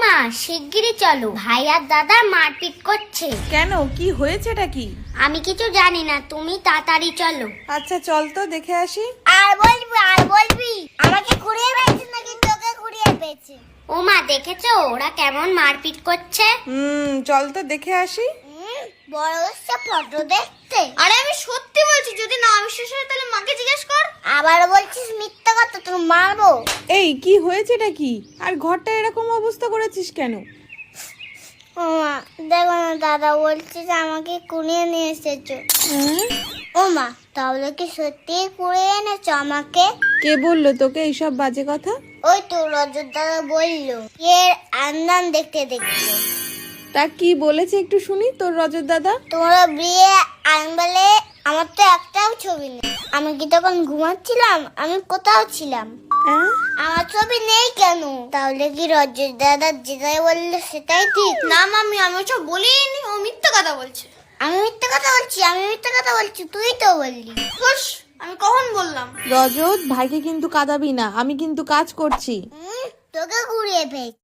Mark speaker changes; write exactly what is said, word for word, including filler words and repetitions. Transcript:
Speaker 1: মা শিগগিরই চলো, ভাই আর দাদা মারপিট করছে।
Speaker 2: কেন, কি হয়েছেটা কি?
Speaker 1: আমি কিছু জানি না, তুমি তাড়াতাড়ি চলো।
Speaker 2: আচ্ছা চল তো দেখে আসি।
Speaker 3: আর বলবি আর বলবি আমাকে কুড়িয়ে পেয়েছে নাকি তোকে কুড়িয়ে পেয়েছে?
Speaker 1: ও মা দেখেছো ওরা কেমন মারপিট করছে?
Speaker 2: হুম চল তো দেখে আসি।
Speaker 3: হুম, বড় হচ্ছে ফটো দেখতে।
Speaker 1: আরে আমি সত্যি বলছি, যদি না বিশ্বাস হয় তাহলে মাকে জিজ্ঞেস কর।
Speaker 3: আবার বলছিস মিথ্যা কথা, তোর মারবো।
Speaker 2: এই কি হয়েছেটা কি? আর ঘরটা এরকম অবস্থা করেছিস কেন?
Speaker 3: ও মা দেখো না, দাদা বলছে যে আমাকে কুড়িয়ে নিয়ে এসেছো।
Speaker 2: হুম?
Speaker 3: ও মা তাহলে কি সত্যি কুড়িয়ে এনেছো আমাকে?
Speaker 2: কে বললো তোকে এইসব বাজে কথা?
Speaker 3: ওই তো রজত দাদা বললো, এর আন্দান দেখতে দেখতে।
Speaker 2: তা কি বলেছে একটু শুনি তোর রজত দাদা।
Speaker 3: তোমরা বিয়ে আনবেলে আমার তো একটাও ছবি নেই। আমি কি তখন ঘুমাচ্ছিলাম? আমি কোথাও ছিলাম?
Speaker 2: হ্যাঁ?
Speaker 3: আমার ছবি নেই কেন? তাহলে কি রজত দাদা যেটাই বললো সেটাই ঠিক?
Speaker 1: না মামি, আমি ওসব বলিনি, ও মিথ্যা কথা বলছে।
Speaker 3: আমি মিথ্যা কথা বলছি? আমি মিথ্যা কথা বলছি? তুই তো বললি।
Speaker 1: হুস, আমি কখন বললাম?
Speaker 2: রজত ভাইকে কিন্তু কাঁদাবি না, আমি কিন্তু কাজ করছি।
Speaker 3: হুম, তোকে ঘুরিয়ে পেয়েছি।